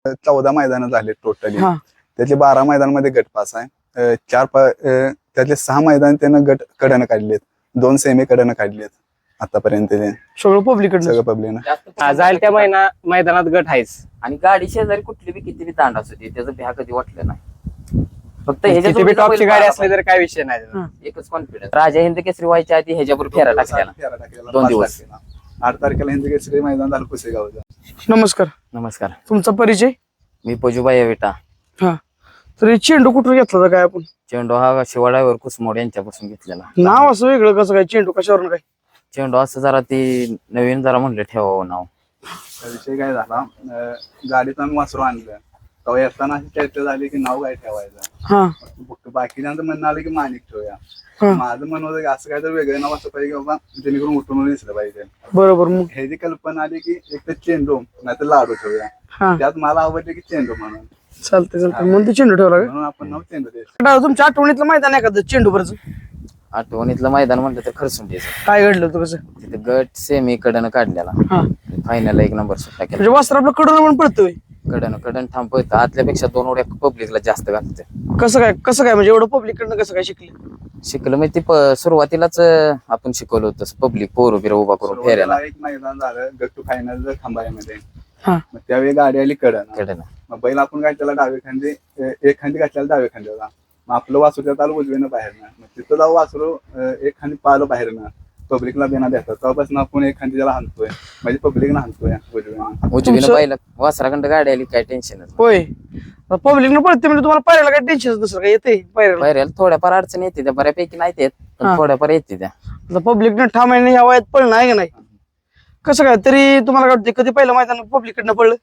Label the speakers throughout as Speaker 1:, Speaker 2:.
Speaker 1: 14 मैदान झाले टोटली.
Speaker 2: हा.
Speaker 1: त्यातले 12 मैदानामध्ये गट पास आहे. त्यातले 6 मैदान त्यानं गट कडनं काढलेत, 2 सेमी कडनं काढलेत आतापर्यंत. ते
Speaker 2: सगळं पब्लिक
Speaker 1: सगळं पब्लिक
Speaker 3: जाईल त्या मैदानात गट आहेच.
Speaker 4: आणि गाडी शेजारी कुठली बी किती बी तांड असू दे त्याचं भ्या कधी वाटलं नाही. फक्त
Speaker 3: किती बी टॉपची गाडी असली तर काय विषय नाही.
Speaker 4: एकच कॉन्फिडन्स. राजा हिंद केसरी व्हायच्या आधी ह्याच्यावर फेरा टाकलेला 2 दिवस.
Speaker 1: 8 तारखेला हिंद केसरी मैदान झालं पुसेगावचं.
Speaker 2: नमस्कार.
Speaker 4: नमस्कार.
Speaker 2: तुमचा परिचय?
Speaker 4: मी पजूबाई विटा.
Speaker 2: हा. तर हे चेंडू कुठून घेतला होता काय आपण?
Speaker 4: चेंडू हा शिवाड्यावर कुसमोड यांच्यापासून घेतलेला.
Speaker 2: नाव असं वेगळं कसं काय? चेंडू कशावरून काय?
Speaker 4: चेंडू असं जरा ती नवीन जरा म्हणलं ठेवावं नाव.
Speaker 1: विषय काय झाला, गाडीत आम्ही वासरू आणलं तेव्हा येताना अशी चर्चा झाली की नाव काय ठेवायचं.
Speaker 2: हा.
Speaker 1: बाकीच्यांचं म्हणणं आलं की माणिक ठेवूया.
Speaker 2: हा.
Speaker 1: माझं म्हणणं होतं की असं काय तर वेगळं नाव असं पाहिजे बाबा, जेणेकरून उठून दिसलं पाहिजे.
Speaker 2: बरोबर. मग
Speaker 1: ह्याची कल्पना आली की एक तर चेंडू नाही तर लाडू ठेवूया.
Speaker 2: हा.
Speaker 1: त्यात मला आवडले की चेंडू म्हणून.
Speaker 2: चालतंय म्हणून ते चेंडू ठेवला
Speaker 1: म्हणून आपण नाव चेंडू द्यायचं.
Speaker 2: तुमच्या आठवणीतलं मैदान एखादं चेंडूवरच
Speaker 4: आठवणीतलं मैदान म्हणलं तर खरसुंडीचं.
Speaker 2: काय घडलं होतं कसं?
Speaker 4: तिथे गट सेमी कडनं काढलेला.
Speaker 2: हा.
Speaker 4: फायनल 1 नंबर सुट्टा केला.
Speaker 2: म्हणजे वास्त्र आपलं कडून पण पडतोय.
Speaker 4: कडन थांबवत आतल्यापेक्षा 2 उड्या पब्लिकला जास्त घालते.
Speaker 2: कसं काय म्हणजे एवढं पब्लिक कडनं कसं काय शिकले?
Speaker 4: शिकलं म्हणजे ती सुरुवातीलाच आपण शिकवलं होतं पब्लिक पोरं बिरं उभा करून फेऱ्याला.
Speaker 1: एक मैदान झालं गट टू फायनल खंबाळ्यामध्ये.
Speaker 2: हा.
Speaker 1: मग त्यावेळी गाडी आली कडन.
Speaker 4: कडन
Speaker 1: मग बैल आपण काय त्याला डावे खांदे, एक खांदी घातल्याला डावे खांद्याला. मग आपलं वासरू त्यात आलं उजवीनं बाहेरनं. मग तिथं जाऊ वासरू एक खांदी पाहिलं बाहेरनं, पब्लिकला बेना देतात. तेव्हापासून आपण एक खांदी त्याला हाणतोय, म्हणजे पब्लिकला हाणतोय
Speaker 4: उजवीनं पाहिलं वासराखंड गाडी आली काय टेन्शन.
Speaker 2: होय. पब्लिकनं पळते म्हणजे तुम्हाला पायऱ्याला काय टेन्शन नसतं काय? येते पायऱ्याला
Speaker 4: पायऱ्याला थोड्याफार अडचण येते त्या, बऱ्यापैकी नाही येत
Speaker 2: हा.
Speaker 4: पण थोड्याफार येते त्या.
Speaker 2: पब्लिकनं ठामाने ह्या वयात पळणं आहे का नाही? कसं काय तरी तुम्हाला काय वाटतं कधी पहिलं मैदान पब्लिककडनं पडलं?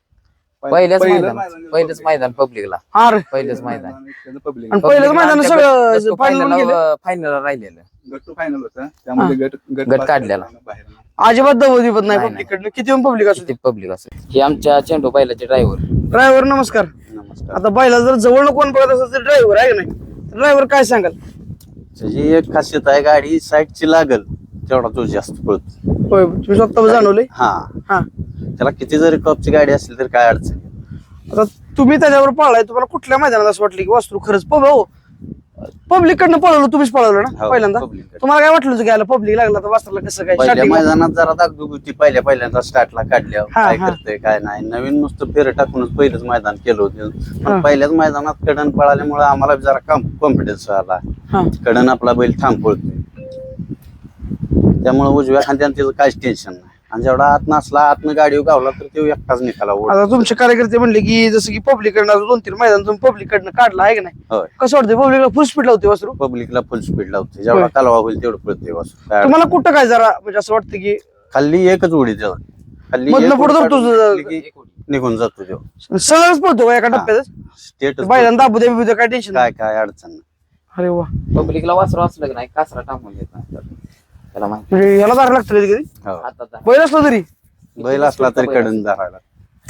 Speaker 4: पहिलंच मैदान पब्लिकला.
Speaker 2: हा रे.
Speaker 4: पहिलंच मैदान
Speaker 1: पब्लिक.
Speaker 2: आणि पहिलंच मैदान सगळं
Speaker 4: फायनल राहिलेलं.
Speaker 1: गट टू फायनल होतं त्यामध्ये
Speaker 4: गट काढलेला.
Speaker 1: बाहेर.
Speaker 2: अजिबात दवदिपत नाही
Speaker 4: नाही,
Speaker 2: पब्लिककडनं किती पण पब्लिक असू.
Speaker 4: पब्लिक असेल. हे आमच्या चेंडू बैलाचे ड्रायव्हर.
Speaker 2: ड्रायव्हर नमस्कार.
Speaker 1: नमस्कार.
Speaker 2: आता बैला जर जवळ कोण बघत असेल तर ड्रायव्हर आहे का नाही? ड्रायव्हर काय सांगाल?
Speaker 5: त्याची एक खासियत आहे, गाडी साईडची लागल तेवढा तो जास्त पळतो.
Speaker 2: होय. तुम्ही स्वतः जाणवले?
Speaker 5: हा.
Speaker 2: हा.
Speaker 5: त्याला किती जरी टॉपची गाडी असली तर काय अडचण नाही.
Speaker 2: आता तुम्ही त्याच्यावर पळालाय, तुम्हाला कुठल्या मैदानात असं वाटलं की वासरू खरंच पब्लिक कडनं पळवलं? तुम्हीच पळवलं ना
Speaker 5: हो,
Speaker 2: पहिल्यांदा?
Speaker 5: public कडनं.
Speaker 2: तुम्हाला काय वाटलं की पब्लिक लागला तर वासराला कसं काय
Speaker 5: पहिल्या
Speaker 2: starting ला?
Speaker 5: मैदानात जरा दागदुग होती पहिल्यांदा स्टार्टला काढल्यावर
Speaker 2: हा,
Speaker 5: काय
Speaker 2: हा.
Speaker 5: करतंय काय नाही. नवीन नुसतं फेर टाकूनच पहिलंच मैदान केलं होतं.
Speaker 2: हा.
Speaker 5: पण पहिल्याच मैदानात कडन पळाल्यामुळे आम्हाला जरा कॉन्फिडन्स आला.
Speaker 2: हा.
Speaker 5: कडन आपला बैल थांब पळतोय, त्यामुळे उजव्या खांद्यानं त्याचं काहीच टेन्शन नाही. आणि जेवढा आत नसला आतनं गाडी गावला तर तो एकटाच निघाला.
Speaker 2: आता तुमचे कार्यकर्ते म्हणले की जसं की पब्लिक कडनं 2-3 मैदान तुम्ही पब्लिक कडनं काढला आहे का नाही?
Speaker 5: होय.
Speaker 2: कसं वाटतं पब्लिकला फुल स्पीड लावते वासरू?
Speaker 5: पब्लिकला फुल स्पीड लावते, जेवढा
Speaker 2: होय.
Speaker 5: कालवा होईल तेवढं पळते वासरू. काय
Speaker 2: तुम्हाला कुठं काय जरा म्हणजे असं वाटतं की
Speaker 5: खाल्ली एकच उडी त्याला, खाल्ली
Speaker 2: मधनं
Speaker 5: एक
Speaker 2: पुढं
Speaker 5: उडी
Speaker 2: जातो
Speaker 5: काढून घेतली की निघून जातो तो
Speaker 2: सगळंच पळतो का एका टप्प्यात?
Speaker 5: स्टेट.
Speaker 2: बैलांना दाबू दे बिबू दे काय टेन्शन नाही?
Speaker 5: काय अडचण नाही.
Speaker 2: अरे वा.
Speaker 4: पब्लिकला वासरू असलं की नाही कासरा टाकून देत नाही त्याला माहिती.
Speaker 2: म्हणजे याला दार लागतं कधी कधी
Speaker 5: हो.
Speaker 4: आता
Speaker 2: बैल असला तरी
Speaker 5: बैल असला तरी कडन धरायला.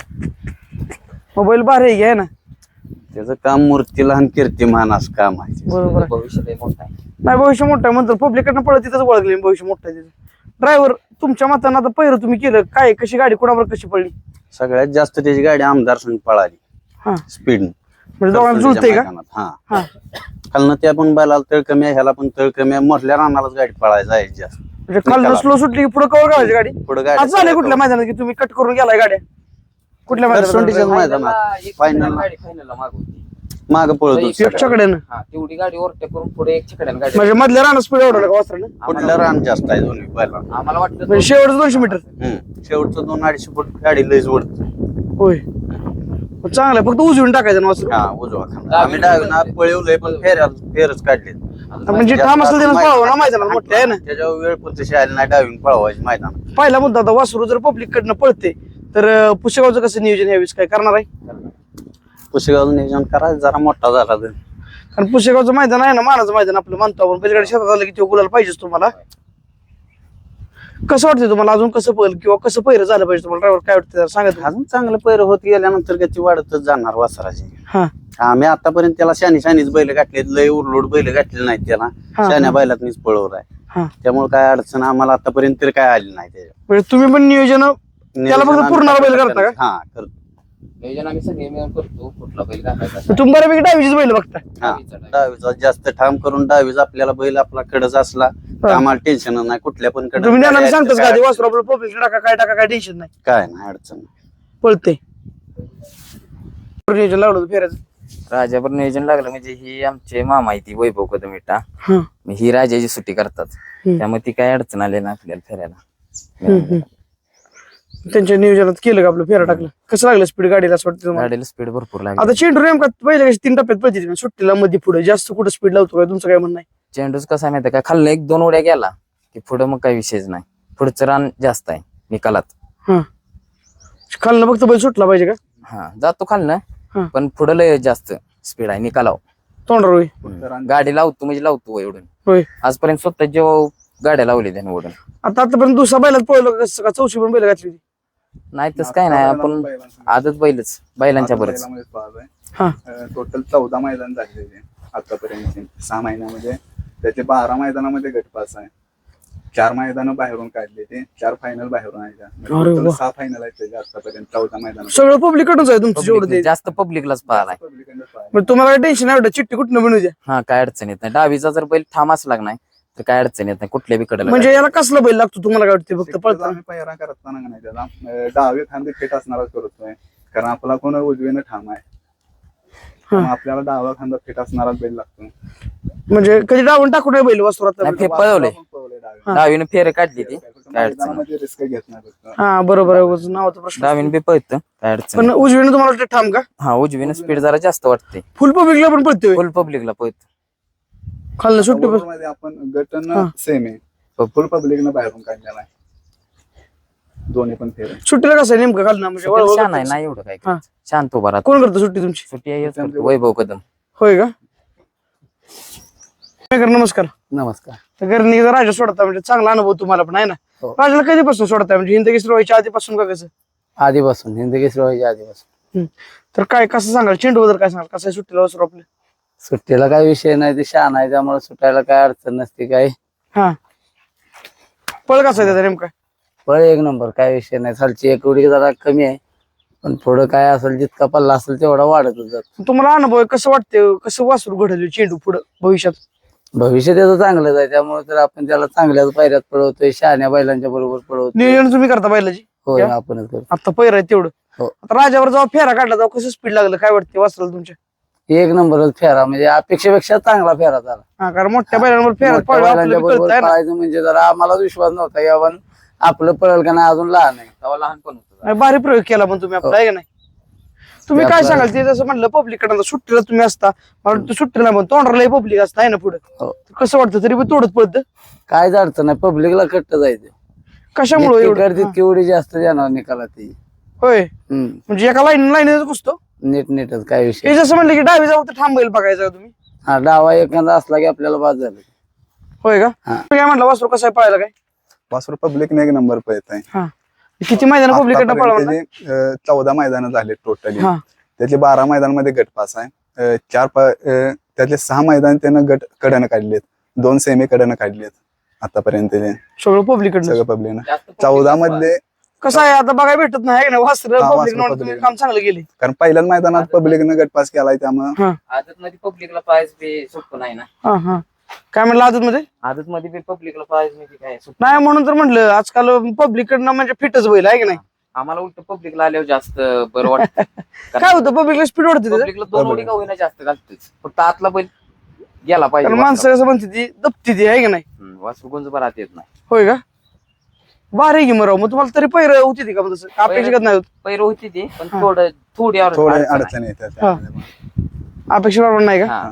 Speaker 2: बैल भारी आहे ना?
Speaker 5: त्याचं काम मूर्तीला आणि कीर्तिमान असं काम आहे.
Speaker 2: बरोबर आहे.
Speaker 4: भविष्य लय मोठं आहे.
Speaker 2: नाही भविष्य मोठं आहे म्हणतो पब्लिक कडनं पळत तिथंच ओळखले भविष्य मोठं आहे तिथं. ड्रायव्हर तुमच्या मतानं आता पहिरं तुम्ही केलं काय, कशी गाडी कोणावर कशी पडली?
Speaker 5: सगळ्यात जास्त त्याची गाडी आमदार संघ पळाली
Speaker 2: हा.
Speaker 5: स्पीड.
Speaker 2: म्हणजे दोघांना जुळते का?
Speaker 5: हा.
Speaker 2: हा.
Speaker 5: खालनं त्या पण बैलाला तळ कमी आहे, ह्याला पण तळ कमी आहे. मोठल्या रानालाच गाडी पळायला जायची जास्त.
Speaker 2: म्हणजे खालनं स्लो सुटली की पुढे कवर गावायची गाडी?
Speaker 5: पुढे
Speaker 2: आज झाले कुठल्या मैदानात की तुम्ही कट करून गेलाय गाड्या? कुठल्या
Speaker 5: खरसुंडीच्याच
Speaker 2: मैदानात?
Speaker 5: मैदानात फायनल
Speaker 4: फायनलला मागवती.
Speaker 5: माग पळत होती.
Speaker 2: एक छकड्यानं
Speaker 4: हा तेवढी गाडी ओव्हरटेक करून पुढे एक छकड्यानं गाडी.
Speaker 2: म्हणजे मधल्या राहणं स्पीड एवढं का वासरानं?
Speaker 5: कुठलं रान जास्त आहे दोन्ही बैला.
Speaker 4: आम्हाला वाटलं
Speaker 2: म्हणजे शेवटचं 200 मीटर?
Speaker 5: शेवटचं 2-250 फूट गाडी लयच ओढत.
Speaker 2: होय. मग चांगलं आहे. फक्त उजवून टाकायचं ना वासरू?
Speaker 5: हा उजवा खांदा. आम्ही डावीना पळवलंय पण फेरच काढले.
Speaker 2: म्हणजे ठाम असेल त्यानं पळावं ना मैदानात मोठे आहे ना?
Speaker 5: त्याच्यावर वेळ पण तशी आली नाही डावीन पळवायची मैदान.
Speaker 2: पहिला मुद्दा आता वासरू जर पब्लिक कडनं पळते तर पुसेगावचं कसं नियोजन यावेळेस काय करणार आहे?
Speaker 5: पुसेगावचं नियोजन करायचं जरा मोठा झाला तर.
Speaker 2: कारण पुसेगावचं मैदान आहे ना मानाचं मैदान आपलं मानतो आपण. पलीकडे शेतात आलं की ते गुलाल पाहिजेच तुम्हाला. कसं वाटतं तुम्हाला अजून कसं पळ किंवा कसं पहिरं झालं पाहिजे तुम्हाला? ड्रायव्हर काय वाटतं सांगा तुम्ही.
Speaker 5: अजून चांगलं पैर होत गेल्यानंतर गती वाढतच जाणार वासराची.
Speaker 2: हा.
Speaker 5: आम्ही आतापर्यंत त्याला शानीच बैल गाठले, लय उरलोड बैल गाठले नाहीत त्याला.
Speaker 2: हा.
Speaker 5: शान्या बैलातनीच पळवलाय.
Speaker 2: हा.
Speaker 5: त्यामुळे काय अडचण आम्हाला आतापर्यंत तरी काय आली नाही त्याच्या.
Speaker 2: म्हणजे तुम्ही पण नियोजन त्याला फक्त पूर्ण बैल करता का?
Speaker 5: हा करतो.
Speaker 4: नियोजन आम्ही सगळे मिळून करतो कुठला बैल घालायचा
Speaker 2: तुम्ही बऱ्यापैकी डावीचीच बैल बघता.
Speaker 5: हा डावीचा जास्त ठाम करून डावीचा आपल्याला बैल आपला कडच असला तर आम्हाला टेन्शन नाही कुठल्या पण कडे
Speaker 2: तुम्ही त्यांना सांगताच का ते वासरू आपलं पब्लिक टाका काय टेन्शन नाही,
Speaker 5: काय नाही अडचण नाही.
Speaker 2: पळते. नियोजन लावलं होतं फेरायचं.
Speaker 4: राजाभर नियोजन लागलं म्हणजे ही आमचे मामा आहे ती वैभव कदम इटा
Speaker 2: हं.
Speaker 4: ही राजाची सुट्टी करतात त्यामुळे ती काय अडचण आली ना आपल्याला फिरायला.
Speaker 2: त्यांच्या नियोजनात केलं का आपलं फेरा टाकलं, कसं लागलं स्पीड गाडीला असं वाटतं तुम्हाला?
Speaker 4: गाडीला स्पीड भरपूर लागली.
Speaker 2: आता चेंडू नेमका पहिले कशी 3 टप्प्यात पळते सुट्टीला मध्ये पुढे जास्त कुठं स्पीड लावतो काय तुमचं काय म्हणणं आहे?
Speaker 4: चेंडूच कसा आहे माहिती का खाल्लं 1-2 उड्या गेला की पुढं मग काही विषयच नाही. पुढचं रान जास्त आहे निकालात.
Speaker 2: हा खालनं फक्त बैल सुटला पाहिजे का?
Speaker 4: हा जातो खालनं
Speaker 2: हा.
Speaker 4: पण पुढं लय जास्त स्पीड आहे निकालाव.
Speaker 2: तोंडावर होय.
Speaker 4: गाडी लावतो म्हणजे लावतो एवढून.
Speaker 2: होय.
Speaker 4: आजपर्यंत स्वतः जेव्हा गाड्या लावली त्याने ओढून.
Speaker 2: आतापर्यंत दुसरा बैलात पळलो कसं का? चौशी पण बैल घातली होती.
Speaker 4: नाही तस काय नाही आपण आदत बैलच बैलांच्या बरंच.
Speaker 2: हा.
Speaker 1: टोटल 14 मैदान झालेले आतापर्यंत 6 महिन्यामध्ये. त्याचे 12 मैदानामध्ये गटपास आहे, 4 मैदान बाहेरून काढले, ते 4 फायनल बाहेरून आहे.
Speaker 2: अरे वा.
Speaker 1: 6 फायनल आहेत त्याचे आतापर्यंत 14 मैदान.
Speaker 2: सगळं पब्लिकडूनच आहे तुमचं जेवढं ते.
Speaker 4: जास्त पब्लिकलाच पाहिलाय.
Speaker 2: मग तुम्हाला काय टेन्शन नाही चिठ्ठी कुठनं बनवू द्या.
Speaker 4: हा काय अडचण येत नाही. डावीचा जर बैल ठाम असला नाही तर काय अडचण येत नाही कुठल्या बी कडेला.
Speaker 2: म्हणजे याला कसला बैल लागतो तुम्हाला काय वाटतं? फक्त पळताना
Speaker 1: आम्ही पहिरा करताना नाही त्याला डावे खांदे फिट असणारच करतोय, कारण आपला कोण उजवीनं ठाम आहे. त्यामुळे आपल्याला डावा खांदा फिट असणारा बैल लागतो.
Speaker 2: म्हणजे कधी डावून टाकू नये बैल वासरात.
Speaker 4: नाही, पळवले डावीने फेरे काढली ती काय अडचण नाही.
Speaker 1: रिस्क घेत नाही फक्त.
Speaker 2: हा बरोबर आहे, नावाचा प्रश्न.
Speaker 4: डावीने बी पळतं काय अडचण
Speaker 2: पण
Speaker 4: नाही.
Speaker 2: उजवीने तुम्हाला वाटतं ठाम का?
Speaker 4: हा उजवीने स्पीड जरा जास्त वाटते.
Speaker 2: फुल पब्लिकला पण पळतोय.
Speaker 4: फुल पब्लिकला पळत.
Speaker 2: खाल्लं सुट्टी पण.
Speaker 1: मध्ये आपण गटन सेम आहे, फुल पब्लिकनं बाहेरून काढलेला आहे दोन्ही पण फेरे.
Speaker 2: सुट्टीला कसं आहे नेमकं खाल्लं म्हणजे
Speaker 4: शान आहे नाही एवढं काय
Speaker 2: हा.
Speaker 4: करायचं. शांत उभा राहतो.
Speaker 2: कोण करतं सुट्टी तुमची?
Speaker 4: सुट्टी आहे हेच करतो, वैभव कदम.
Speaker 2: होय का? नमस्कार.
Speaker 5: नमस्कार.
Speaker 2: तर घरनी राजा सोडता म्हणजे चांगला अनुभव तुम्हाला पण आहे ना.
Speaker 5: हो.
Speaker 2: राजाला कधीपासून सोडताय म्हणजे हिंदकेसरी व्हायच्या आधीपासून का कसं?
Speaker 5: आधीपासून हिंदकेसरी व्हायच्या आधीपासून.
Speaker 2: तर काय कसं सांगाल चेंडू बद्दल काय सांगाल? कसं आहे सुट्टीला वासरू आपलं?
Speaker 5: सुट्टीला काही विषय नाही, ते शान आहे त्यामुळे सुटायला काय अडचण नसते. काय
Speaker 2: हा पळ कसं आहे त्याचा नेमका?
Speaker 5: पळ 1 नंबर, काय विषय नाही. खालची एक उडी जरा कमी आहे पण पुढं काय असेल जितका पल्ला असेल तेवढा वाढतच जातो.
Speaker 2: तुम्हाला अनुभव आहे, कसं वाटतं कसं वासरू घडवलं चेंडू पुढं भविष्यात?
Speaker 5: भविष्य त्याचं चांगलंच आहे त्यामुळे तर आपण त्याला चांगल्याच पायऱ्यात पळवतोय, शहाण्या बैलांच्या बरोबर पळवतोय.
Speaker 2: नियोजन तुम्ही करता बैलाची?
Speaker 5: होय आपणच करतो.
Speaker 2: आता पैर आहे तेवढं.
Speaker 5: हो.
Speaker 2: आता राजावर जेव्हा फेरा काढला तेव्हा कसं स्पीड लागलं काय वाटतं वासराला तुमच्या?
Speaker 5: 1 नंबरच फेरा, म्हणजे अपेक्षेपेक्षा चांगला फेरा झाला.
Speaker 2: हा कारण मोठ्या बैलांवर फेरा
Speaker 5: मोठ्या
Speaker 2: पळलं
Speaker 5: बैलांच्या
Speaker 2: आपल्याला
Speaker 5: बरोबर
Speaker 2: कळतंय ना.
Speaker 5: पळायचं म्हणजे जरा आम्हाला विश्वास नव्हता की आपण आपलं पळल का नाही, अजून लहान आहे.
Speaker 4: तेव्हा लहानपण होतं.
Speaker 2: नाही, भारी प्रयोग केला पण तुम्ही आपला आहे का नाही? तुम्ही
Speaker 5: ते
Speaker 2: काय
Speaker 5: आपलं-
Speaker 2: सांगाल ते जसं म्हणलं पब्लिक कडे सुट्टीला तुम्ही असता मला वाटतं सुट्टीला पण तोंडाला पब्लिक असता आहे ना पुढे.
Speaker 5: हो.
Speaker 2: कसं वाटतं तरी पण तोडत पडतं?
Speaker 5: काय अडचण नाही, पब्लिकला कट्ट जायचं.
Speaker 2: कशामुळे
Speaker 5: जितकी
Speaker 2: एवढं?
Speaker 5: तितकी उडी जास्त जाणार निकाला ती.
Speaker 2: होय म्हणजे एका लाईन घुसतो
Speaker 5: नीटच काय विषय.
Speaker 2: हे जसं म्हणलं की डावी जाऊ तर थांबेल बघायचं का तुम्ही?
Speaker 5: हा डावा एखादा असला की आपल्याला बाद झालं.
Speaker 2: होय का?
Speaker 5: हा.
Speaker 2: तुम्ही काय म्हणलं वासरू कसं आहे पळायला काय?
Speaker 1: वासरू पब्लिकने 1 नंबर पळत आहे.
Speaker 2: हा किती मैदान पब्लिक कडनं पळवलं?
Speaker 1: त्याचे 14 मैदान झाले टोटली.
Speaker 2: हा.
Speaker 1: त्यातले 12 मैदानामध्ये गटपास आहे. त्यातले 6 मैदान त्यानं गट कडनं काढलेत, 2 सेमी कडनं काढलेत आतापर्यंत. ते
Speaker 2: सगळं पब्लिक कडनं.
Speaker 1: सगळं पब्लिकनं
Speaker 4: जास्त
Speaker 1: 14 मधले,
Speaker 2: कसं आहे आता बघायला भेटत नाही है का नाही वासर
Speaker 1: हा,
Speaker 2: पब्लिक
Speaker 1: वासरं
Speaker 2: म्हणून
Speaker 1: public.
Speaker 2: काम चांगलं गेले.
Speaker 1: कारण पहिल्याच मैदानात पब्लिकनं गटपास केलाय त्यामुळे
Speaker 4: आदत मध्ये पब्लिकला प्राइज बी सोपं नाही ना.
Speaker 2: हा हा काय म्हणलं आदत मध्ये?
Speaker 4: आदत मध्ये बी पब्लिकला प्राइज म्हणजे काय सोपं
Speaker 2: नाही म्हणून तर म्हणलं आजकाल पब्लिक कडनं म्हणजे फिटच बैल आहे की नाही?
Speaker 4: आम्हाला उलट पब्लिकला आल्यावर जास्त बरं वाटतं.
Speaker 2: काय होतं पब्लिकला स्पीड वाढते त्याचं?
Speaker 4: पब्लिकला 2 उडी का होईना जास्त घालतोच, फक्त आतला बैल गेला पाहिजे.
Speaker 2: कारण माणसं कसं म्हणते ती दपती ती आहे की नाही?
Speaker 4: वासरू गुंज बरात येत नाही.
Speaker 2: होय का? भारी की मग तुम्हाला तरी पैर होती ती का मग तसं अपेक्षित नाही होत?
Speaker 4: पैर होती ती पण
Speaker 2: हा.
Speaker 4: थोडी
Speaker 1: थोडे
Speaker 4: अडचण आहे.
Speaker 1: अडचणी येतात त्यामध्ये.
Speaker 2: अपेक्षा बरोबर नाही का?
Speaker 4: हा.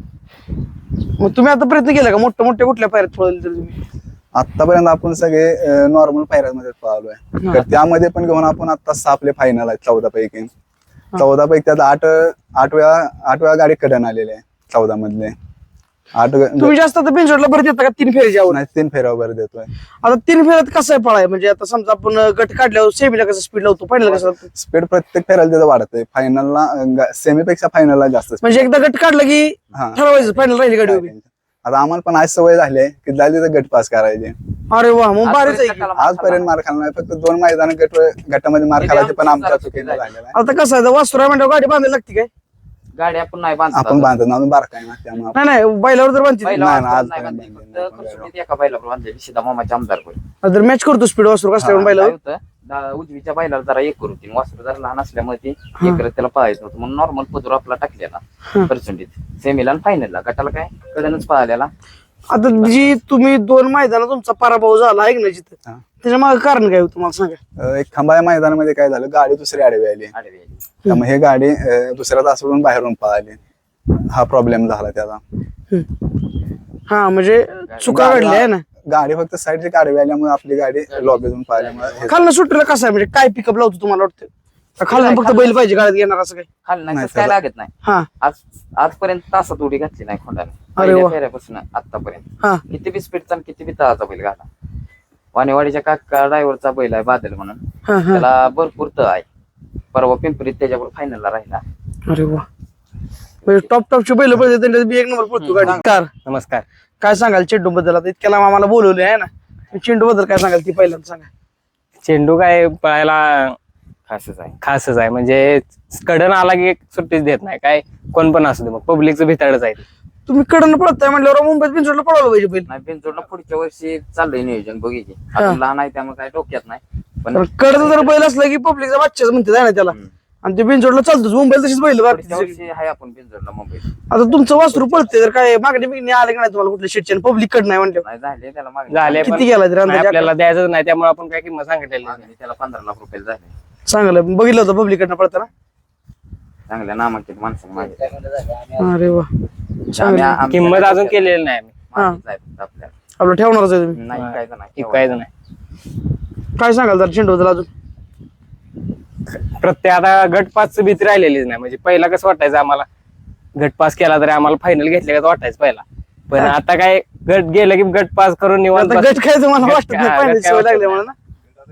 Speaker 2: मग तुम्ही आता प्रयत्न केला का मोठ्या कुठल्या पायऱ्यात पळवले तर तुम्ही?
Speaker 1: आतापर्यंत आपण सगळे नॉर्मल पायऱ्यांमध्ये पळालोय.
Speaker 2: हा.
Speaker 1: तर त्यामध्ये पण घेऊन आपण आता 6 आपले फायनल आहेत 14 पैकी. 14 पैकी त्यात 8 वेळा गाडी कडन आलेले आहे 14 मधले. 8
Speaker 2: तुम्ही जास्त आता बेंचवरला बरं देता का 3 फेरीच्या आवड?
Speaker 1: 3 फेऱ्यावर देतोय.
Speaker 2: आता 3 फेऱ्यात कसं आहे पळाय म्हणजे आता समजा आपण गट काढल्यावर सेमीला कसं स्पीड लावतो फायनल कसं लावतो?
Speaker 1: स्पीड प्रत्येक फेऱ्याला त्याचं वाढतंय. फायनलला सेमीपेक्षा फायनलला जास्त speed.
Speaker 2: म्हणजे एकदा गट काढला की
Speaker 1: हा.
Speaker 2: ठरवायचं फायनल राहिली गाडी उभी.
Speaker 1: आता आम्हाला पण आज सवय झाली आहे की जायला तिथं गट पास करायचे.
Speaker 2: अरे वा, मग भारीच आहे की.
Speaker 1: आजपर्यंत मार खाल्ला नाही, फक्त 2 मैदान गटामध्ये मार खायचे, पण आमच्या चुकीचं झालेलं आहे.
Speaker 2: आता कसं आहे, वासुरा म्हणजे गाडी बांधायला लागते काय?
Speaker 4: गाडी आपण नाही बांधत
Speaker 1: आपण बांधत ना बारकाय ना, त्यामुळे
Speaker 2: नाही नाही, बैलावर तर बांधते.
Speaker 4: पहिला
Speaker 1: नाही, नाही,
Speaker 4: वासरात
Speaker 1: आज
Speaker 4: नाही
Speaker 1: पर्यंत
Speaker 4: बांधली.
Speaker 1: बांधली
Speaker 4: फक्त
Speaker 1: नाही.
Speaker 4: कसोटीत एका बैलावर बांधलेली सीधा मामाच्या आमदार
Speaker 2: तर मॅच करतो स्पीड वासरू कसल्या
Speaker 1: हा,
Speaker 2: बैलावर.
Speaker 4: उजवीच्या बैलाला जरा एक करू वासरू जरा लहान असल्यामुळे ते एकरत त्याला पळायचं नव्हतं म्हणून नॉर्मल पदूर आपला टाकलेला पर्सेंटेज सेमीला आणि फायनलला. गटाला काय कडनच पळालेला.
Speaker 2: आता जी तुम्ही 2 मैदानात तुमचा पराभव झाला आहे ना जिथं,
Speaker 1: हा.
Speaker 2: त्याच्या मागे कारण काय होतं मला सांगा.
Speaker 1: एक खंबाळ्या मैदानामध्ये काय झालं, गाडी दुसरी आडवी आली,
Speaker 4: आडवी आली.
Speaker 1: त्यामुळे हे गाडी दुसऱ्या तासावरून बाहेरून पळाली. हा प्रॉब्लेम झाला त्याचा.
Speaker 2: हा म्हणजे चुका घडल्या आहे ना.
Speaker 1: गाडी फक्त साईडची आडवी आल्यामुळे आपली गाडी लॉबीतून पळाल्यामुळे
Speaker 2: खालनं सुट्टीला कसं आहे, म्हणजे काय पिकअप लावतो तुम्हाला वाटतं? का खालनं फक्त बैल पाहिजे गाडीत घेणार असं काय?
Speaker 4: खाली नाही
Speaker 1: नाही,
Speaker 4: तसं काय
Speaker 1: त्याला-
Speaker 4: लागत नाही.
Speaker 2: हा
Speaker 4: आजपर्यंत तासात उडी घातली नाही खोंडाने.
Speaker 2: अरे वा.
Speaker 4: पहिल्या फेऱ्यापासून आतापर्यंत
Speaker 2: हा
Speaker 4: किती बी स्पीडचा किती बी तळाचा बैल घाला. वाणेवाडीच्या काका ड्रायव्हरचा बैल आहे बादल म्हणून,
Speaker 2: हा हा.
Speaker 4: त्याला भरपूर तळ आहे. परवा पिंपरीत त्याच्यावर फायनलला राहिला.
Speaker 2: अरे वा, म्हणजे टॉपची बैल पाहिजे त्यांच्यात बी 1 नंबर पडतो गाडी. कार
Speaker 3: नमस्कार.
Speaker 2: काय सांगाल चेंडू बद्दल? आता इतक्याला आम्हाला बोलवले आहे ना, चेंडू बद्दल काय सांगाल ती पहिल्यांदा सांगा.
Speaker 3: चेंडू काय पळायला
Speaker 4: खासच आहे.
Speaker 3: म्हणजे कडन आला की एक सुट्टीच देत नाही, काय कोण पण असू दे, मग पब्लिकचं भिताडच आहे.
Speaker 2: तुम्ही कडनं पळताय म्हटल्यावर मुंबईत बिनचोडला पळवलं पाहिजे बैल.
Speaker 4: नाही बिनजोडला पुढच्या वर्षी चाललंय नियोजन बघितली. अजून लहान आहे त्यामुळे काय डोक्यात नाही. पण
Speaker 2: कडचं जर बैल असलं की पब्लिकचा बादशाच म्हणते आहे ना त्याला, आणि ते बिनचोडला चालतोच. मुंबईला तशीच बैल
Speaker 4: पुढच्या
Speaker 2: बाकी.
Speaker 4: वर्षी आहे आपण बिनजोडला मुंबईत.
Speaker 2: आता तुमचं वासरू पळते तर काय मागणी बिगणी आले का नाही तुम्हाला कुठल्या शेटच्या? पब्लिक कडनं आहे म्हणलं
Speaker 4: नाही झाले त्याला मागणी.
Speaker 3: झाले पण
Speaker 2: किती गेला तरी
Speaker 3: नाही,
Speaker 2: अंदाजे?
Speaker 3: आपल्याला द्यायचं नाही, त्यामुळे आपण काय किंमत सांगितलेली नाही.
Speaker 4: मागणी त्याला 15 लाख रुपये झाले.
Speaker 2: चांगलं बघितलं होतं पब्लिक कडनं पळताना.
Speaker 4: चांगल्या नामांकित माणसाने मागितले.
Speaker 2: अरे वा,
Speaker 3: किंमत अजून केलेली नाही आम्ही.
Speaker 4: आपल्याला
Speaker 2: आपलं ठेवणारच आहे तुम्ही.
Speaker 4: नाही काय नाही
Speaker 3: इकायचं नाही.
Speaker 2: काय सांगाल जर चेंडू बद्दल अजून?
Speaker 3: प्रत्येक आता गट पास भीती राहिलेलीच नाही. म्हणजे पहिला कसं वाटायचं आम्हाला, गट पास केला तरी आम्हाला फायनल घेतले का वाटायचं पहिला. पण आता काय गट गेलं की गट पास करून निवांत
Speaker 2: आता गट काय तुम्हाला
Speaker 3: गट
Speaker 2: वाटत
Speaker 3: काय-
Speaker 2: नाही,
Speaker 3: गट
Speaker 2: पाहिजे
Speaker 3: काय
Speaker 2: सवय
Speaker 3: वाटत
Speaker 2: लागली
Speaker 3: नाही.
Speaker 2: म्हणून ना.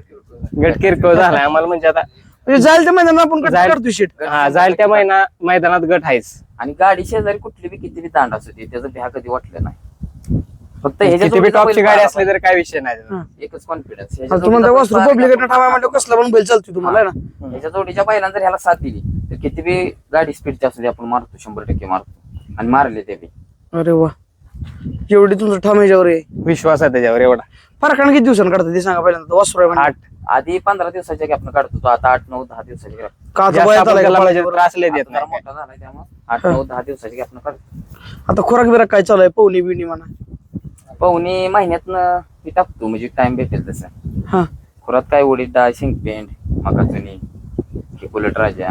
Speaker 3: गट किरकोळ झालाय आम्हाला. म्हणजे आता
Speaker 2: म्हणजे जाईल त्या मैदानात आपण गट
Speaker 3: जाईल.
Speaker 2: करतो शेट.
Speaker 3: हा जाईल त्या मैदानात गट आहेच.
Speaker 4: आणि गाडी शेजारी कुठली बी किती बी तांड असू दे त्याचं भ्या कधी वाटलं नाही. फक्त
Speaker 3: किती बी
Speaker 4: जोडीचा
Speaker 3: टॉपची
Speaker 4: बैल
Speaker 3: गाडी असली
Speaker 4: पाहिला
Speaker 3: तरी काय विषय नाही.
Speaker 4: पाहिजे. एकच कॉन्फिडन्स.
Speaker 2: आता तुम्हाला वासरू पब्लिक कडनं ठावा म्हणलं कसला पण बैल चालतो तुम्हाला आहे ना.
Speaker 4: ह्याच्या जोडीच्या बैलांना जर ह्याला साथ दिली तर किती बी गाडी स्पीडची असू दे आपण मारतो, 100% मारतो. आणि मारले ते बी.
Speaker 2: अरे वा, एवढी तुमचं ठाम ह्याच्यावर आहे.
Speaker 3: विश्वास आहे त्याच्यावर एवढा.
Speaker 2: फरकाने किती दिवसांनी काढतात ते सांगा पहिल्यांदा. वासरू आहे म्हणजे.
Speaker 3: 8
Speaker 4: आधी 15 दिवसाच्या गॅपनं काढतो तो, आता 8, 9, 10 दिवसाची gap.
Speaker 2: का आता
Speaker 3: जास्त
Speaker 2: वयात
Speaker 3: आपण
Speaker 2: आलाय
Speaker 3: त्याला
Speaker 2: का
Speaker 3: म्हणजे
Speaker 2: बरोबर?
Speaker 3: त्रास लय देत
Speaker 4: आता जरा
Speaker 3: नाही.
Speaker 4: मोठा झालाय त्यामुळे 8, 9, 10 दिवसाची गॅपनं काढतो.
Speaker 2: आता खोराक बिराक काय चालू आहे? पवनी बिवणी म्हणा.
Speaker 4: पाहुणे महिन्यातनं ती टाकतो म्हणजे टाइम भेटेल तसं.
Speaker 2: हा
Speaker 4: खुरात काय उडीद डाळ, शेंगपेंड, मकाचुनी, बुलेट राजा.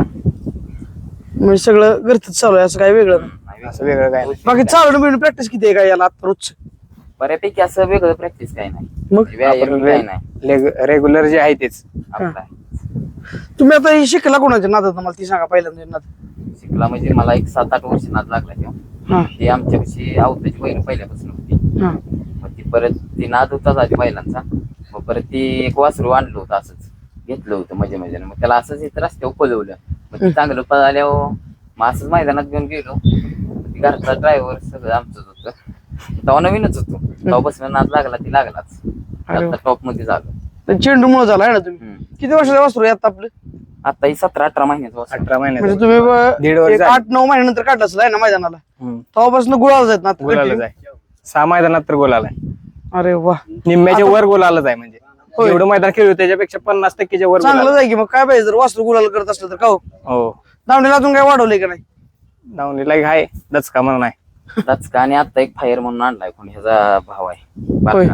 Speaker 2: म्हणजे सगळं घरच चालू आहे, असं काय वेगळं नाही.
Speaker 3: असं वेगळं काय नाही.
Speaker 2: बाकी चालू बिवणी प्रॅक्टिस किती आहे काय याला आता रोज?
Speaker 4: बऱ्यापैकी असं वेगळं प्रॅक्टिस काही नाही.
Speaker 2: मग
Speaker 4: व्यायाम काही नाही
Speaker 3: रेग्युलर जे आहे तेच.
Speaker 4: आपला
Speaker 2: तुम्ही आता हे शिकला कोणाच्या नादात मला ती सांगा पहिल्यांदा नाद.
Speaker 4: शिकला म्हणजे मला एक 7-8 वर्ष नाद लागला तेव्हा.
Speaker 2: हा
Speaker 4: ती आमच्यापाशी आवताची बैल पहिल्यापासून होती.
Speaker 2: हा
Speaker 4: मग ती परत ती नाद होताच आधी बैलांचा. मग परत ती एक वासरू आणलं होतं असंच घेतलं होतं मजे मग त्याला असंच इथं रस्त्यावर पळवलं. मग ते चांगलं पळाल्यावर मग असंच मैदानात घेऊन गेलो. मग ती घरचा ड्रायव्हर सगळं आमचंच होतं. तेव्हा नवीनच होतो. तेव्हापासून नाद लागला ती लागलाच.
Speaker 2: अरे वा.
Speaker 4: आता टॉप मध्ये झालो.
Speaker 2: तर चेंडू मुळे झाला आहे ना तुम्ही. किती वर्षाचा वासरू आहे आता आपलं?
Speaker 4: आता ही 17-18 महिन्याचं वासरू.
Speaker 3: 18
Speaker 2: म्हणजे
Speaker 3: महिन्यात
Speaker 2: तुम्ही
Speaker 3: दीड वर्ष झालं.
Speaker 2: 8-9 महिन्यानंतर काढलाच आहे ना मैदानाला. तेव्हापासून गुलाल जात ना
Speaker 3: गोलाला
Speaker 2: continue?
Speaker 3: जाय 6 मैदानात तर गोलाला आहे.
Speaker 2: अरे वा,
Speaker 3: निम्म्याच्या वर गोलाला जाय. म्हणजे
Speaker 2: होय.
Speaker 3: एवढं मैदान खेळू त्याच्यापेक्षा 50% वर
Speaker 2: चांगलं
Speaker 3: गोलाला.
Speaker 2: जाय की. मग काय पाहिजे जर वासरू गुलाल करत असलं तर का हो?
Speaker 3: हो
Speaker 2: दावणीला अजून काय वाढवलंय का नाही?
Speaker 3: दावणीला एक आहे दचका म्हणून आहे.
Speaker 4: दचका आणि आता एक फायर म्हणून आणलाय कोणी ह्याचा भाव आहे बारका.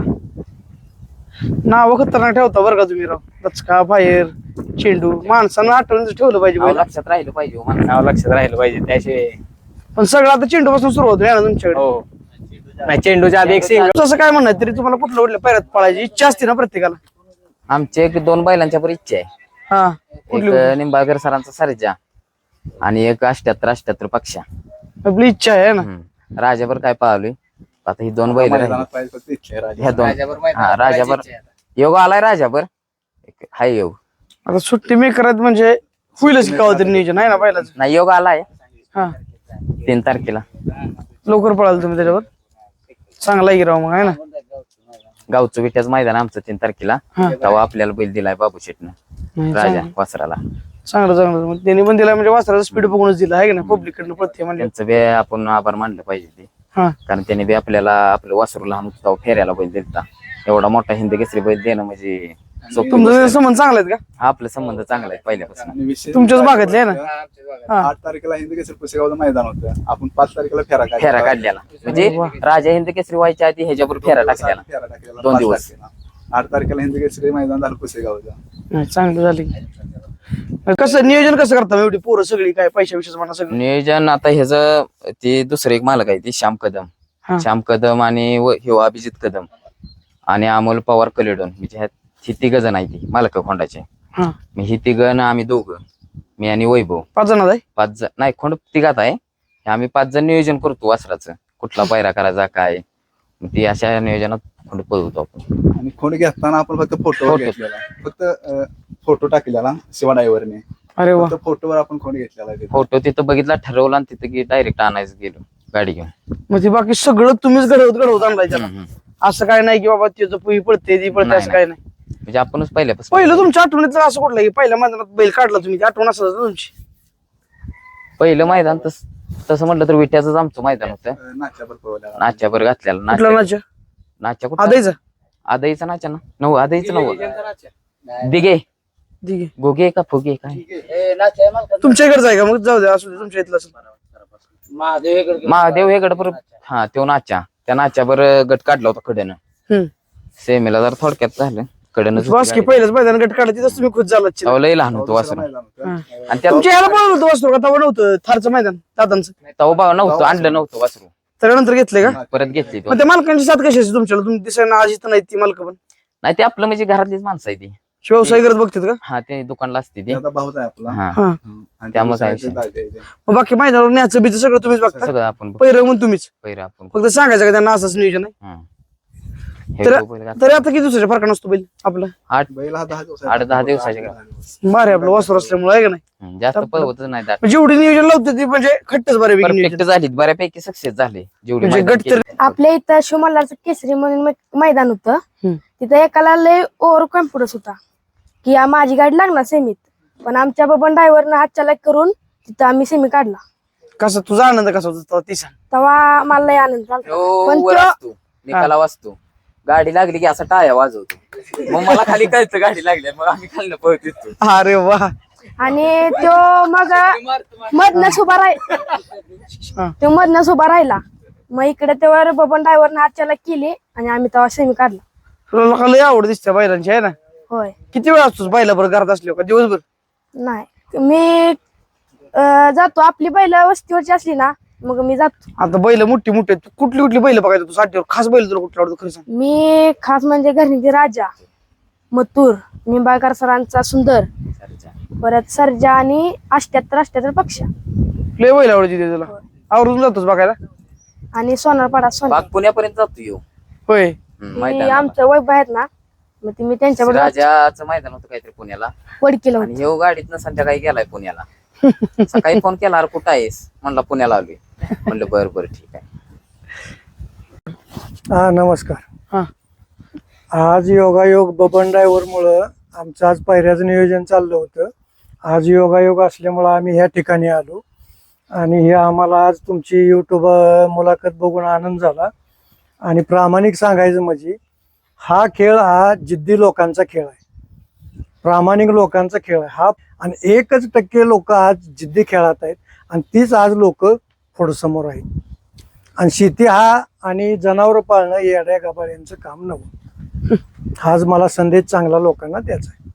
Speaker 2: नाव खतरनाक ठेवता बरं का तुम्ही राव. दचका, फायर, चेंडू. माणसानं आठवण ठेवलं पाहिजे
Speaker 4: नाव
Speaker 2: बैल.
Speaker 4: लक्षात राहिलं पाहिजे हो माणसाला.
Speaker 3: नाव लक्षात राहिलं पाहिजे त्याशिवाय.
Speaker 2: पण सगळं आता चेंडू पासून सुरुवात आहे ना तुमच्याकडे.
Speaker 3: हो नाही चेंडूच्या आधी एक सिंगल.
Speaker 2: तसं काय म्हणणार तरी तुम्हाला कुठल्या पैरात पळायची इच्छा असते ना प्रत्येकाला.
Speaker 4: आमची एक 2 बैलांच्या पर इच्छा आहे.
Speaker 2: हा
Speaker 4: एक
Speaker 2: कुठली
Speaker 4: निंबाळकर सरांचा सर्जा आणि एक 78-78 पक्षा.
Speaker 2: आपली इच्छा आहे ना.
Speaker 4: राजाभर काय पाहलोय आता ही 2 बैल
Speaker 1: मैदानात पाहिजे फक्त इच्छा आहे राजा.
Speaker 4: ह्या 2 हा राजाभर योग आलाय. राजाभर एक हाय योग
Speaker 2: आता सुट्टी मेकर आहेत म्हणजे होईलच का तरी नियोजन आहे ना पहिलाच.
Speaker 4: नाही योग आलाय
Speaker 2: हा
Speaker 4: 3 तारखेला.
Speaker 2: लवकर पळाल तुम्ही त्याच्यावर. चांगला आहे की राव मग आहे ना.
Speaker 4: गावचं विट्याचं मैदान आमचं 3 तारखेला
Speaker 2: हा.
Speaker 4: तेव्हा आपल्याला बैल दिलाय बाबू शेटनं
Speaker 2: नाही,
Speaker 4: राजा
Speaker 2: चांगलं
Speaker 4: वासराला.
Speaker 2: चांगलं मग त्यांनी पण दिला म्हणजे वासराचा स्पीड बघूनच दिला आहे की ना पब्लिक कडनं प्रत्येक म्हणजे.
Speaker 4: त्यांचं बी आपण आभार मानलं पाहिजे ते,
Speaker 2: हा
Speaker 4: कारण त्यांनी बी आपल्याला आपलं वासरू लहान होतं तेव्हा फेऱ्याला बैल दिलता. एवढा मोठा हिंद केसरी बैल देणं म्हणजे सोपी गोष्ट
Speaker 2: तुमचं
Speaker 4: नाही.
Speaker 2: संबंध चांगला आहेत का?
Speaker 4: हा, आपले संबंध चांगले आहेत पहिल्यापासून.
Speaker 1: आणि विशेष
Speaker 2: तुमच्याच भागातले आहे ना? हा.
Speaker 1: 8 तारखेला हिंद केसरी पुसेगावचं मैदान होतं. आपण 5 तारखेला
Speaker 4: फेरा काढलेला म्हणजे राजा हिंद केसरी व्हायच्या आधी ह्याच्यावर फेरा टाकलेला.
Speaker 1: फेरा टाकलेला
Speaker 4: 2 दिवस.
Speaker 1: 8 तारखेला हिंद केसरी मैदान झालं पुसेगावचं.
Speaker 2: नाही, चांगलं झालं की. कसं नियोजन कसं करता एवढी पोरं सगळी काय पैशा विषयच म्हणा सगळं?
Speaker 4: नियोजन आता ह्याचं ते दुसरं एक मालक आहे ते श्याम कदम.
Speaker 2: हा.
Speaker 4: श्याम कदम आणि ह्यो अभिजित कदम आणि अमोल पवार कलेडोन म्हणजे ही 3 जण आहे ती मालक खोंडाचे.
Speaker 2: हा
Speaker 4: मी ही 3 आम्ही 2, मी आणि वैभव
Speaker 2: 5 जण आहे.
Speaker 4: 5 जण नाही, खोंड 3 आहे. हे आम्ही 5 जण नियोजन करतो वासराचं, कुठला पायरा करायचा काय. मग ती अशा नियोजनात खोंड पळवतो आपण.
Speaker 1: आणि खोंड घेताना आपण फक्त फोटो
Speaker 4: फोटो.
Speaker 1: घेतलेला, फक्त फोटो टाकलेला शिवा ड्रायव्हरने.
Speaker 2: अरे वा.
Speaker 1: फक्त फोटोवर आपण खोंड घेतलेला आहे तिथे.
Speaker 4: फोटो तिथं बघितला, ठरवला आणि तिथं डायरेक्ट आणायचं गेलो गाडी घेऊन.
Speaker 2: मग ते बाकी सगळं तुम्हीच घडवत आणलाय त्याला. असं काय नाही की बाबा त्याचं पुई पडते ती पडते
Speaker 4: नाही,
Speaker 2: असं काय नाही.
Speaker 4: म्हणजे आपणच पहिल्यापासून
Speaker 2: पहिलं तुमच्या आठवणीतलं असं कुठलं की पहिल्या मैदानात बैल काढला तुम्ही, ती आठवण असं तुमची?
Speaker 4: पहिलं मैदान तसं म्हटलं तर विट्याचंच आमचं मैदान होतं.
Speaker 1: नाच्यावर पळवलेला.
Speaker 4: नाच्यावर घातलेला.
Speaker 2: कुठला नाच्या?
Speaker 4: नाच्या कुठं?
Speaker 2: आदायचा
Speaker 4: आदाईचा नाच्या ना नऊ आदाईचं नऊ दिगे
Speaker 2: ठीक आहे.
Speaker 4: गोगे का फुगे काय
Speaker 2: तुमच्या इकडचं आहे का? मग जाऊ द्या, असू दे, तुमच्या इथलं असेल.
Speaker 4: महादेव हेगड पर हा तो नाच्या त्या नाच्यावर गट काढला होता कडेनं.
Speaker 2: हम्म.
Speaker 4: सेमीला जर थोडक्यात झालं कडनं
Speaker 2: बस की पहिल्याच मैदान गट काढला तिथंच तुम्ही खुश झाला.
Speaker 4: तेव्हा लय लहान होतो वासरू
Speaker 1: मैदान होतं.
Speaker 4: आणि त्यात
Speaker 2: तुमच्या ह्याला पळवलं होतं वासरू का? तेव्हा नव्हतं थारचं मैदान दादांचं,
Speaker 4: तेव्हा नव्हतं आणलं नव्हतं वासरू,
Speaker 2: त्यानंतर घेतलंय का?
Speaker 4: परत घेतली तो.
Speaker 2: मग त्या मालकांची साथ कशी असते तुमच्याला? तुम्ही दिसायला आज इथं नाही ती मालक पण
Speaker 4: नाही ते आपलं म्हणजे घरातलीच माणसं आहे ती.
Speaker 2: व्यवसाय करत बघतात का?
Speaker 4: हा ते दुकानला असते ती.
Speaker 1: आता भाऊच आहे आपला.
Speaker 4: हा
Speaker 2: हा.
Speaker 1: आणि
Speaker 4: त्यामुळे काय
Speaker 1: दुसऱ्या दाजी आहे ते.
Speaker 2: मग बाकी मैदानावर न्यायचं बीचं सगळं तुम्हीच बघता?
Speaker 4: सगळं आपण
Speaker 2: पहिलं म्हणून तुम्हीच
Speaker 4: पहिलं आपण
Speaker 2: फक्त सांगायचं का त्यांना असंच नियोजन आहे?
Speaker 4: हे
Speaker 2: तर-
Speaker 4: बैल घातला.
Speaker 2: तरी आता किती दिवसाच्या फरक नसतो बैल आपला?
Speaker 1: बैल हा 10 दिवस
Speaker 4: 8-10 दिवसाचे का?
Speaker 2: भारी आपलं वासरू असल्यामुळे आहे का नाही?
Speaker 4: जास्त पळवतच नाही दाट.
Speaker 2: म्हणजे जेवढी नियोजन लावते ती म्हणजे खट्टच बऱ्यापैकी
Speaker 4: परफेक्ट
Speaker 2: नियोजन.
Speaker 4: झाली, बऱ्यापैकी सक्सेस झाले जेवढी
Speaker 2: म्हणजे
Speaker 4: मैदान
Speaker 2: गट तर
Speaker 4: केली.
Speaker 6: आपल्या इथं शिवमल्हारचं केसरी म्हणून मैदान होतं.
Speaker 2: हम्म.
Speaker 6: तिथं एकाला लय ओव्हर कॉन्फिडन्स होता की माझी गाडी लागणार सेमीत, पण आमच्या बबन ड्रायव्हरनं हात चालक करून तिथं आम्ही सेमी काढला.
Speaker 2: कसा तुझा आनंद कसा होता ती सांग?
Speaker 6: तेव्हा मला लय आनंद झाला.
Speaker 4: तो
Speaker 6: पण
Speaker 4: वर
Speaker 6: तो-
Speaker 4: असतो, निकाला वाचतो, गाडी लागली की असा टाळ्या वाजवतो. मग मला खाली कळतं गाडी लागली, मग आम्ही खाली पळत येतो.
Speaker 2: अरे वा.
Speaker 6: आणि तो मग मधनच उभा
Speaker 2: हा.
Speaker 6: तो मधनच उभा राहिला. मग इकडे तेव्हा बबन ड्रायव्हरनं हात चालक केली आणि आम्ही तेव्हा सेमी काढला.
Speaker 2: तुला लोकांना लय आवड दिसते बैलांची आहे ना?
Speaker 6: होय.
Speaker 2: किती वेळ असतोस बैला बरं घरात असल्यावर का दिवसभर?
Speaker 6: नाही मी जातो, आपली बैल वस्तीवरची असली ना मग मी जातो.
Speaker 2: आता बैल मोठी मोठी आहेत. कुठली कुठली बैल बघायचं तू साठीवर? खास बैल तुला कुठला आवडतो खरं सांग?
Speaker 6: मी खास म्हणजे घरनीचे राजा, मथुर, निंबाळकर सरांचा सुंदर, परत सर्जा आणि 78 पक्ष
Speaker 2: लय बैल आवडते ते तुला? आवडून जातोस बघायला?
Speaker 6: आणि सोनारपाडा सोना.
Speaker 4: बाग पुण्यापर्यंत जातो येऊ.
Speaker 2: होय.
Speaker 6: आमचं वैभ आहेत ना, मग ते मी त्यांच्याबरोबर
Speaker 4: राजाचं मैदान होतं काहीतरी पुण्याला
Speaker 6: वडकीला
Speaker 4: आणि ह्यो गाडीतनं संध्याकाळी गेलाय पुण्याला. सकाळी फोन केला, अरे कुठं आहेस? म्हणला पुण्याला आलोय. म्हणलं बरं बरं ठीक आहे.
Speaker 7: हा नमस्कार.
Speaker 2: हा.
Speaker 7: आज योगायोग बबन ड्रायव्हर मुळे आमचं आज पायऱ्याचं नियोजन चाललं होतं. आज योगायोग असल्यामुळं आम्ही ह्या ठिकाणी आलो आणि हे आम्हाला आज तुमची युट्यूब मुलाखत बघून आनंद झाला. आणि प्रामाणिक सांगायचं म्हणजे हा खेळ हा जिद्दी लोकांचा खेळ आहे, प्रामाणिक लोकांचा खेळ आहे हा. आणि 1% लोक आज जिद्दी खेळात आहेत आणि तीच आज लोक पुढं समोर आहेत. आणि शेती हा आणि जनावर पाळणं येड्या गाभाऱ्यांचं काम नव्हतं. हाच मला संदेश चांगला लोकांना द्यायचा आहे.